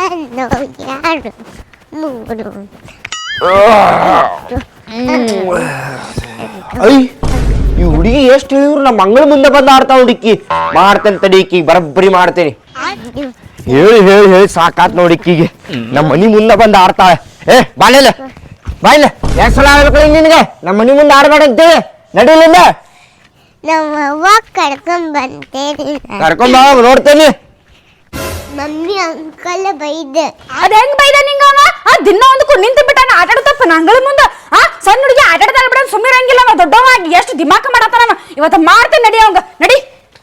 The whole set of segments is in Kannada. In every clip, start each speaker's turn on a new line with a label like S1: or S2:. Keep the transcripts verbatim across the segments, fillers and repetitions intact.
S1: ಎರಡು ಮೂರು
S2: ಐ ಈ ಹುಡುಗಿ ಎಷ್ಟು ಹೇಳಿದ್ರು ನಮ್ಮ ಮಂಗಳ ಮುಂದೆ ಬಂದು ಆಡ್ತಾವ ಹುಡುಕಿ ಮಾಡ್ತೇನೆ ತಡಿಕಿ ಬರಬ್ಬರಿ ಮಾಡ್ತೇನೆ ಹೇಳಿ ಹೇಳಿ ಹೇಳಿ ಸಾಕಾತ್ ನೋಡಿಕ್ಕಿಗೆ ನಮ್ಮ ಮನಿ ಮುಂದೆ ಬಂದು ಆಡ್ತಾಳೆ ಏ ಬಾಳೆಲ್ಲ ಬಾಯಿಲ್ಲ ಎಷ್ಟು ಸಲ ಆಡ್ಬೇಕು ನಿನಗೆ ನಮ್ಮ ಮನಿ ಮುಂದೆ ಆಡ್ಬೇಡ ಅಂತೇಳಿ ನಡೀಲಿಲ್ಲ
S1: ನಮ್ಮ ಅವ್ವ ಕರ್ಕೊಂಡ್ ಬಂತೇನೆ
S2: ಕರ್ಕೊಂಡ್ ಬಾ ನೋಡ್ತೇನೆ
S1: ಮಮ್ಮಿ ಅಂಕಲ್ ಬೈದ
S3: ಅದ ಹೆಂಗ್ ಬೈದ ನಿಂಗ ಅವ ಆ ದಿನ ಒಂದಕ್ಕೂ ನಿಂತು ಬಿಟ್ಟಾನ ಆಟ ಆಡ್ತಪ್ಪ ನಂಗಳ ಮುಂದ ಆ ಸಣ್ಣ ಹುಡುಗಿ ಆಟ ಆಡ್ತಾರ ಬಿಡ ಸುಮ್ಮನೆ ಇರಂಗಿಲ್ಲ ಅವ ದೊಡ್ಡವಾಗಿ ಎಷ್ಟು ದಿಮಾಕ ಮಾಡತ್ತಾನ ಇವತ್ತ ಮಾಡ್ತೇನೆ ನಡಿ ಅವಂಗ ನಡಿ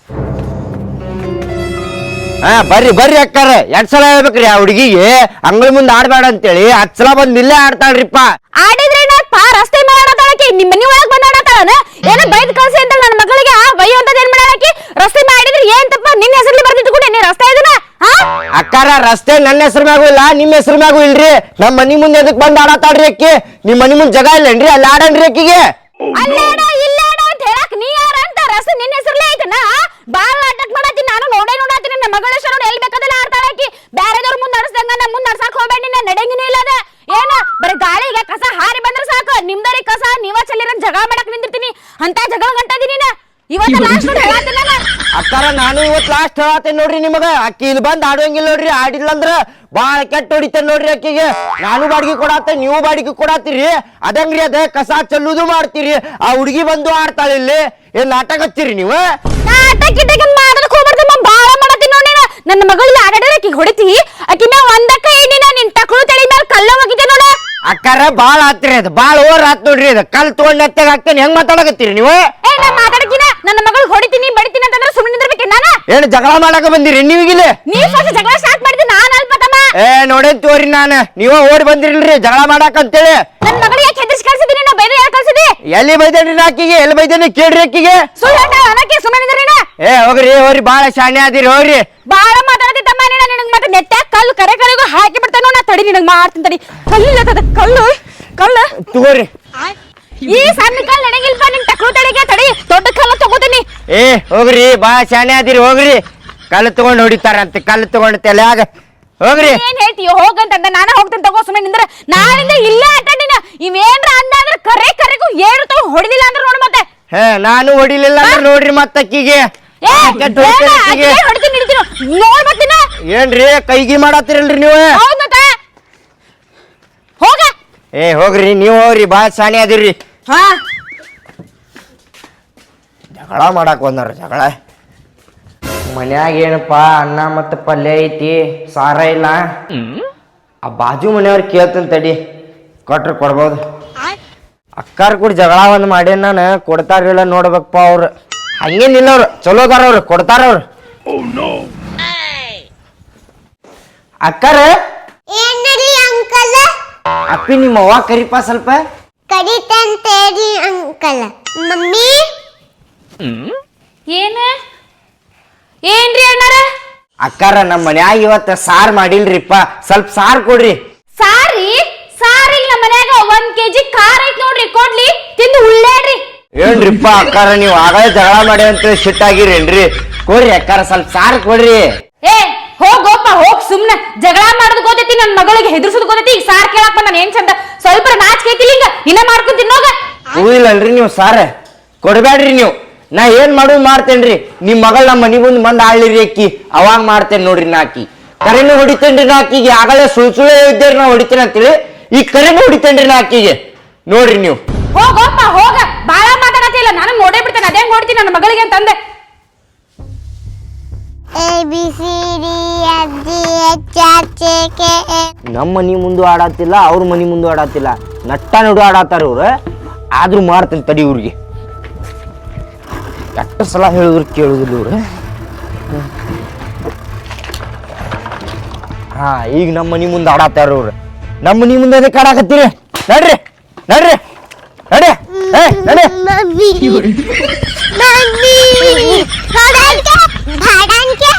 S2: ಹಾ ಬರ್ರಿ ಬರ್ರಿ ಅಕ್ಕಾರ ಎರಡ್ ಸಲ ಹೇಳ್ಬೇಕ್ರಿ ಆ ಹುಡುಗಿಗೆ ಅಂಗಳ ಮುಂದೆ ಆಡ್ಬೇಡ ಅಂತೇಳಿ ಹತ್ ಸಲ ಬಂದ್ ಇಲ್ಲೇ ಆಡ್ತಾಳ್ರಿಪ್ಪ
S3: ಆಡಿದ್ರೆ ಪಾ ರಸ್ತೆ ಮೇಲೆ ಆಡತಾಳಕಿ ನಿಮ್ ಮನಿ ಒಳಗ್ ಬಂದ್ ಆಡತಾಳನ ಏನೋ ಬೈದ್ ಕಳ್ಸಿ ಅಂತ ನನ್ನ ಮಗಳಿಗೆ ಬೈಯೋ ಅಂತದ್ ಏನ್ ಮಾಡಾಕಿ ರಸ್ತೆ ಮೇಲೆ ಆಡಿದ್ರೆ ಏನ್ ತಪ್ಪ ನಿನ್ನ ಹೆಸರಲ್ಲಿ ಬರ್ದಿಟ್ಕೊಂಡೆ ನೀ ರಸ್ತೆ ಇದನ್ನ
S2: ಅಕ್ಕಾರ ರಸ್ತೆ ನನ್ನ ಹೆಸರು ಮ್ಯಾಗೂ ಇಲ್ಲ ನಿಮ್ ಹೆಸರು ಮ್ಯಾಗೂ ಇಲ್ರಿ ನಮ್ ಮನಿ ಮುಂದೆ ಎದಕ್ ಬಂದ್ ಆಡತಾಳ್ರಿ ಅಕ್ಕಿ ನಿಮ್ ಮನಿ ಮುಂದ್ ಜಾಗ ಇಲ್ಲನ್ರಿ ಅಲ್ಲಿ ಆಡನ್ರಿ ಅಕ್ಕಿಗೆ
S3: ಅಲ್ಲೇಡ ಇಲ್ಲೇಡ ಅಂತ ಹೇಳಕ್ ನೀ ಯಾರ ಅಂತ ರಸ್ತೆ ನಿನ್ನ ಹೆಸರಲ್ಲೇ ಐತನ ಬಾಳ ನಾಟಕ ಮಾಡತ್ತೀನಿ ನಾನು ನೋಡೇ ನೋಡತ್ತೀನಿ ನಮ್ಮ ಮಗಳ ಹೆಸರು ಎಲ್ಲಿ ಬೇಕಾದಲ್ಲ ಆಡ್ತಾಳಕಿ ಬ್ಯಾರೆದವ್ರ ಮುಂದ್ ನಡ್ಸ್ದಂಗ ನಮ್ ಮುಂದ್ ನಡ್ಸಾಕ್ ಹೋಗ್ಬೇಡಿ ನಿನ್ನ ನಡೆಂಗಿನೂ ಇಲ್ಲದ ಏನ ಬರೀ ಗಾಳಿಗೆ ಕಸ ಹಾರಿ ಬಂದ್ರೆ ಸಾಕು ನಿಮ್ದರಿ ಕಸ ನೀವ ಚೆಲ್ಲಿರನ್ ಜಗಳ ಮಾಡಕ್ ನಿಂದಿರ್ತೀನಿ ಅಂತ ಜಗಳ ಗಂಟದೀನಿ ನಾ ಇವತ್ತ ಲಾಸ್ಟ್ ನೋಡಿ ಹೇಳತ್ತೀನಿ ನಾನು
S2: ಅಕ್ಕಾರ ನಾನು ಇವತ್ ಲಾಸ್ಟ್ ಹೇಳತ್ತೇನೆ ನೋಡ್ರಿ ನಿಮಗ ಅಕ್ಕಿ ಇಲ್ಲಿ ಬಂದ್ ಆಡುವಂಗಿಲ್ಲ ನೋಡ್ರಿ ಆಡಿಲ್ಲ ಅಂದ್ರ ಬಾಳ ಕೆಟ್ಟ ಹೊಡಿತೇನೆ ನೋಡ್ರಿ ಅಕ್ಕಿಗೆ ನಾನು ಬಾಡಿಗೆ ಕೊಡತ್ತೆ ನೀವು ಬಾಡಿಗೆ ಕೊಡತ್ತೀರಿ ಅದಂಗ್ರಿ ಅದ ಕಸ ಚೆಲ್ಲುದು ಮಾಡ್ತೀರಿ ಆ ಹುಡುಗಿ ಬಂದು ಆಡ್ತಾಳೆ ಇಲ್ಲಿ ಏನ್ ನಾಟಕ ಹಚ್ಚಿರಿ ನೀವು
S3: ನಾಟಕ ಗಿಟಕ ಮಾಡೋದಕ್ಕೆ ಹೋಗ್ಬಾರ್ದಮ್ಮ ಬಾಳ ಮಾಡತ್ತೀನಿ ನೋಡಿ ನನ್ನ ಮಗಳಿಗೆ ಆಡಾಡೋಕೆ ಅಕ್ಕಿ ಹೊಡಿತಿ ಅಕ್ಕಿ ಮ್ಯಾಗ ಒಂದಕ್ಕ ಏನಿನ ನಿನ್ ತಕ್ಕಳು ತಳಿ ಮೇಲೆ ಕಲ್ಲ ಹೋಗಿದ್ದೆ ನೋಡ
S2: ಅಕ್ಕಾರ ಬಾಳ ಆತ್ರಿ ಅದ ಬಾಳ ಓವರ್ ಆತ್ ನೋಡ್ರಿ ಅದ ಕಲ್ ತಗೊಂಡ್ ಎತ್ತಾಗ ಹಾಕ್ತೇನೆ ಹೆಂಗ್ ಮಾತಾಡಕತ್ತೀರಿ ನೀವು
S3: ಏ ನಾ ಮಾತಾಡಕಿನ ನನ್ನ ಮಗಳಿಗೆ ಹೊಡಿತೀನಿ ಬಡಿತೀನಿ ಅಂತಂದ್ರೆ ಸುಮ್ಮನೆ ನಿಂದಿರ್ಬೇಕೆ ನಾನು
S2: ಏನ್ ಜಗಳ ಮಾಡಕ ಬಂದಿರಿ ನೀವಿಗಿಲ್ಲ
S3: ನೀವ್ ಫಸ್ಟ್ ಜಗಳ ಸ್ಟಾರ್ಟ್ ಮಾಡಿದ್ರಿ ನಾನು ಅಲ್ಪ ತಮ್ಮ
S2: ಏ ನೋಡೇನ್ ತೋರಿ ನಾನು ನೀವ ಓಡಿ ಬಂದಿರಿಲ್ರಿ ಜಗಳ ಮಾಡಕ್ ಅಂತೇಳಿ
S3: ನನ್ನ ಮಗಳಿಗೆ ಯಾಕೆ ಹೆದರ್ಸಿ ಕಳ್ಸಿದೀನಿ ನಾ ಬೇರೆ ಯಾರು ಕಳ್ಸಿದಿ
S2: ಎಲ್ಲಿ ಬೈದೇನ್ರಿ ಆಕಿಗೆ ಎಲ್ಲಿ ಬೈದೇನಿ ಕೇಳ್ರಿ ಅಕ್ಕಿಗೆ
S3: ಸುಳ್ಳು ಹೇಳ್ತಾ ಅನ್ನಕ್ಕೆ ಸುಮ್ಮನೆ ನಿಂದ್ರಿ ನಾ
S2: ಏ ಹೋಗ್ರಿ ಹೋಗ್ರಿ ಬಾಳ ಶಾಣೆ ಆದಿರಿ ಹೋಗ್ರಿ
S3: ಬಾಳ ಮಾತಾಡತಿ ತಮ್ಮ ನೀನ ನಿನಗೆ ಮತ್ತೆ ನೆಟ್ಟ ಕಲ್ಲು ಕರೆ ಕರೆಗೂ ಹಾಕಿ ಬಿಡ್ತಾನೋ ನಾ ತಡಿ ನಿನಗೆ ಮಾಡ್ತೀನಿ ತಡಿ ಕಲ್ಲಿಲ್ಲದ ಕಲ್ಲು ಕಲ್ಲು
S2: ತಗೋರಿ
S3: ಈ ಸಣ್ಣ ಕಲ್ಲು ನನಗಿಲ್ಪ ನಿನ್ ಟಕ್ಳು ತಡಿಗೆ ತಡಿ ದೊಡ್ಡ ಕಲ್ಲು ತಗೋತೀನಿ
S2: ಏ ಹೋಗ್ರಿ ಬಾಳ ಶಾಣೆ ಆದಿರಿ ಹೋಗ್ರಿ ಕಲ್ಲು ತಗೊಂಡ್ ಹೊಡಿತಾರಂತೆ ಕಲ್ಲು ತಗೊಂಡ್ ತಲೆಯಾಗ ಹೋಗ್ರಿ
S3: ಏನ್ ಹೇಳ್ತೀಯೋ ಹೋಗಂತ ನಾನು ಹೋಗ್ತೇನೆ ತಗೋ ಸುಮ್ಮನೆ ನಿಂದ್ರ ನಾಳಿಂದ ಇಲ್ಲೇ ಆಟಾಡಿನ ಇವೇನ್ರ ಅಂದಾದ್ರ ಕರೆ ಕರೆಗೂ ಏಳು ತಗೋ ಹೊಡಿಲಿಲ್ಲ ಅಂದ್ರೆ ನೋಡು ಮತ್ತೆ
S2: ಹೇ ನಾನು ಹೊಡಿಲಿಲ್ಲ ಅಂದ್ರೆ ನೋಡ್ರಿ ಮತ್ತಕ್ಕಿಗೆ
S3: ಹೊಡಿತೀನಿ ಹಿಡಿತೀನಿ ನೋಡ್ ಬರ್ತೀನ
S2: ಏನ್ರಿ ಕೈಗಿ ಮಾಡತ್ತೀರಲ್ರಿ ನೀವು
S3: ಹೌದ್ ಮತ್ತೆ ಹೋಗ
S2: ಏ ಹೋಗ್ರಿ ನೀವು ಹೋಗ್ರಿ ಬಾಳ ಶಾಣೆ ಅದಿರ್ರಿ
S3: ಹಾ
S2: ಜಗಳ ಮಾಡಕ್ ಬಂದಾರ ಜಗಳ ಮನ್ಯಾಗ ಏನಪ್ಪ ಅನ್ನ ಮತ್ತು ಪಲ್ಯ ಐತಿ ಸಾರ ಇಲ್ಲ ಆ ಬಾಜು ಮನೆಯವ್ರು ಕೇಳ್ತೇನೆ ತಡಿ ಕೊಟ್ರೆ ಕೊಡ್ಬೋದು ಅಕ್ಕಾರ ಕೂಡ ಜಗಳ ಒಂದು ಮಾಡಿ ನಾನು ಕೊಡ್ತಾರಿಲ್ಲ ನೋಡ್ಬೇಕಪ್ಪ ಅವ್ರು ಹಂಗೇನಿಲ್ಲ ಅವ್ರು ಚಲೋದಾರ ಅವ್ರು ಕೊಡ್ತಾರ ಅವ್ರು ಅಕ್ಕಾರ
S1: ಅಂಕಲ್
S2: ಅಪ್ಪಿ ನಿಮ್ಮ ಅವ್ವ ಕರಿಪ ಸ್ವಲ್ಪ
S1: ಕಡಿತಂತೇರಿ ಅಂಕಲ್ ಮಮ್ಮಿ
S3: ಏನ ಏನ್ರಿ ಅಣ್ಣಾರ
S2: ಅಕ್ಕಾರ ನಮ್ಮ ಮನ್ಯಾಗ ಇವತ್ತ ಸಾರ್ ಮಾಡಿಲ್ರಿಪ್ಪ ಸ್ವಲ್ಪ ಸಾರ್ ಕೊಡ್ರಿ
S3: ಸಾರಿ ಸಾರಿ ನಮ್ಮ ಮನ್ಯಾಗ ಒಂದ್ ಕೆಜಿ ಖಾರ ಐತ್ ನೋಡ್ರಿ ಕೊಡ್ಲಿ ತಿಂದು ಉಳ್ಳೇಡ್ರಿ
S2: ಏನ್ರಿಪ್ಪ ಅಕ್ಕಾರ ನೀವು ಆಗಲೇ ಜಗಳ ಮಾಡಿ ಅಂತ ಸಿಟ್ಟಾಗಿರೇನ್ರಿ ಕೊಡ್ರಿ ಅಕ್ಕಾರ ಸ್ವಲ್ಪ ಸಾರ್ ಕೊಡ್ರಿ
S3: ಏ ಹೋಗೋಪ್ಪ ಹೋಗ್ ಸುಮ್ನೆ ಜಗಳ ಮಾಡೋದ್ ಗೊತ್ತೈತಿ ನನ್ ಮಗಳಿಗೆ ಹೆದರ್ಸೋದ್ ಗೊತ್ತೈತಿ ಈಗ ಸಾರ್ ಕೇಳಪ್ಪ ನಾನು ಏನ್ ಚಂದ ಸ್ವಲ್ಪ ನಾಚಿಕೈತಿಲ್ಲ ಹಿಂಗ ಇನ್ನ ಮಾಡ್ಕೊಂಡ್ ತಿನ್ನೋಗ
S2: ಹೂವಿಲ್ಲಲ್ರಿ ನೀವು ಸಾರ ಕೊಡ್ಬೇಡ್ರಿ ನೀವು ನಾ ಏನ್ ಮಾಡೋದು ಮಾಡ್ತೇನ್ರಿ ನಿಮ್ ಮಗಳ ನಮ್ಮ ಮನಿ ಮುಂದ್ ಬಂದ್ ಆಳ್ಳಿರಿ ಅಕ್ಕಿ ಅವಾಗ ಮಾಡ್ತೇನೆ ನೋಡ್ರಿ ನಾ ಅಕ್ಕಿ ಕರೆನೂ ಹೊಡಿತೇನ್ರಿ ನಾ ಅಕ್ಕಿಗೆ ಆಗಲೇ ಸುಳ್ ಸುಳ್ಳು ಇದ್ದೇರಿ ನಾ ಹೊಡಿತೇನೆ ಅಂತೇಳಿ ಈಗ ಕರೆನೂ ಹೊಡಿತೇನ್ರಿ ನಾ ಅಕ್ಕಿಗೆ ನೋಡ್ರಿ ನೀವು
S3: ಹೋಗೋಪ್ಪ ಹೋಗ ಬಾಳ ಮಾತಾಡತಿಲ್ಲ ನಾನು ನೋಡೇ ಬಿಡ್ತೇನೆ ಅದೇ ನೋಡ್ತೀನಿ ನನ್ನ ಮಗಳಿಗೆ ಅಂತಂದೆ
S1: A B C D F G H I J K
S2: ನಮ್ಮ ಮನಿ ಮುಂದೆ ಆಡತ್ತಿಲ್ಲ ಅವ್ರ ಮನಿ ಮುಂದೆ ಆಡತ್ತಿಲ್ಲ ನಟ್ಟ ನಡು ಆಡತ್ತಾರ ಇವ್ರು ಆದ್ರೂ ಮಾಡ್ತೇನೆ ತಡಿ ಇವ್ರಿಗೆ ಎಷ್ಟು ಸಲ ಹೇಳಿದ್ರು ಕೇಳುದಿಲ್ಲ ಇವ್ರು ಹಾ ಈಗ ನಮ್ಮ ಮನಿ ಮುಂದೆ ಆಡತ್ತಾರ ಇವ್ರು ನಮ್ಮ ಮನಿ ಮುಂದೆ ಅದಕ್ಕೆ ಆಡಾಕತ್ತೀರಿ ನಡ್ರಿ ನಡ್ರಿ ನಡಿ ಏ ನಡಿ
S1: ಮಮ್ಮಿ ಮಮ್ಮಿ ಹೊಡಂಕೆ ಭಾಡಂಕೆ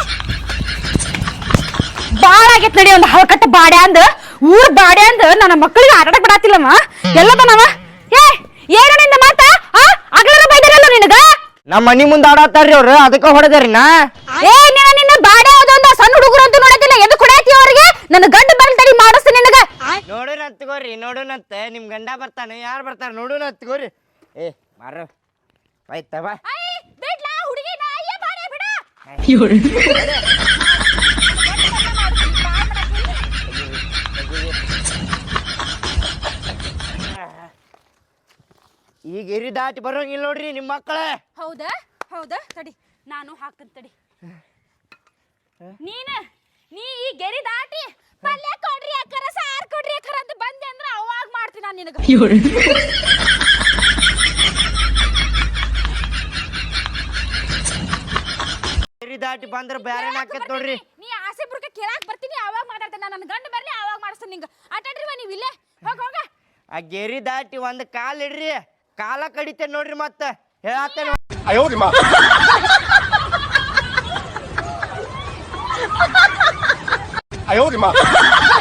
S3: ಬಾಳ ಆಗೈತ್ ನಡಿ ಒಂದ್ ಹಲ್ಕಟ್ಟ ಬಾಡ್ಯ ಅಂದ ಊರ್ ಬಾಡ್ಯ ಅಂದ ನನ್ನ ಮಕ್ಕಳಿಗೆ ಆಟಾಡಕ್ ಬಿಡಾತಿಲ್ಲಮ್ಮ ಎಲ್ಲದನವ ಏ ಏನ ನಿಂದ ಮಾತಾ ಆ ಅಗ್ಲರ ಬೈದಾರಲ್ಲ ನಿನಗ
S2: ನಮ್ಮ ಮನಿ ಮುಂದೆ ಆಡತ್ತಾರ್ರಿ ಅವ್ರು ಅದಕ್ಕೆ ಹೊಡೆದಾರಿ ನಾ
S3: ಏ ನಿನ್ನ ನಿನ್ನ ಬಾಡ್ಯ ಅದೊಂದ ಸಣ್ಣ ಹುಡುಗರು ಅಂತ ನೋಡತಿಲ್ಲ ಎದು ಕೊಡಾತಿ ಅವ್ರಿಗೆ ನನ್ನ ಗಂಡ ಬರ್ತಾಡಿ ಮಾಡಿಸ್ತೀನಿ ನಿನಗ.
S2: ನೋಡೋಣ ತಗೋರಿ ನೋಡೋಣಂತ ನಿಮ್ ಗಂಡ ಬರ್ತಾನೆ ಯಾರು ಬರ್ತಾರ ನೋಡೋಣ ತಗೋರಿ. ಏ ಮಾರ ಆಯ್ತ ಬಾ.
S3: ಐ ಬಿಡ್ಲಾ ಹುಡುಗಿ ನಾ ಅಯ್ಯ ಬಾರೆ ಬಿಡ.
S2: ಈಗ ಎರಿ ದಾಟಿ ಬರೋಂಗಿಲ್ಲ ನೋಡ್ರಿ ನಿಮ್ಮ ಮಕ್ಕಳೇ.
S3: ಹೌದಾ ಹೌದಾ ತಡಿ ನಾನು ಹಾಕ್ತೀನಿ ತಡಿ. ನೀನ ನೀ ಈ ಗೆರಿ ದಾಟಿ ಪಲ್ಯ ಕೊಡ್ರಿ ಅಕ್ಕರ ಸಾರ್ ಕೊಡ್ರಿ ಅಕ್ಕರ ಅಂತ ಬಂದೆ ಅಂದ್ರೆ ಅವಾಗ ಮಾಡ್ತೀನಿ ನಾನು ನಿನಗ.
S2: ಎರಿ ದಾಟಿ ಬಂದ್ರ ಬ್ಯಾರೆ ಹಾಕತ್ ನೋಡ್ರಿ.
S3: ನೀ ಆಸೆ ಪುರ್ಕ ಕೇಳಾಕ್ ಬರ್ತೀನಿ ಅವಾಗ ಮಾತಾಡ್ತೇನೆ. ನನ್ನ ಗಂಡ ಬರ್ಲಿ ಅವಾಗ ಮಾಡಿಸ್ತೀನಿ ನಿಂಗ. ಆಟಾಡ್ರಿ ನೀವು ಇಲ್ಲೇ ಹೋಗ ಹೋಗ.
S2: ಆ ಗೆರಿ ದಾಟಿ ಒಂದ್ ಕಾಲ್ ಇಡ್ರಿ ಕಾಲ ಕಡಿತೇನೆ ನೋಡ್ರಿ ಮತ್ತ ಹೇಳತ್ತೇನೆ.
S4: ಅಯ್ಯೋ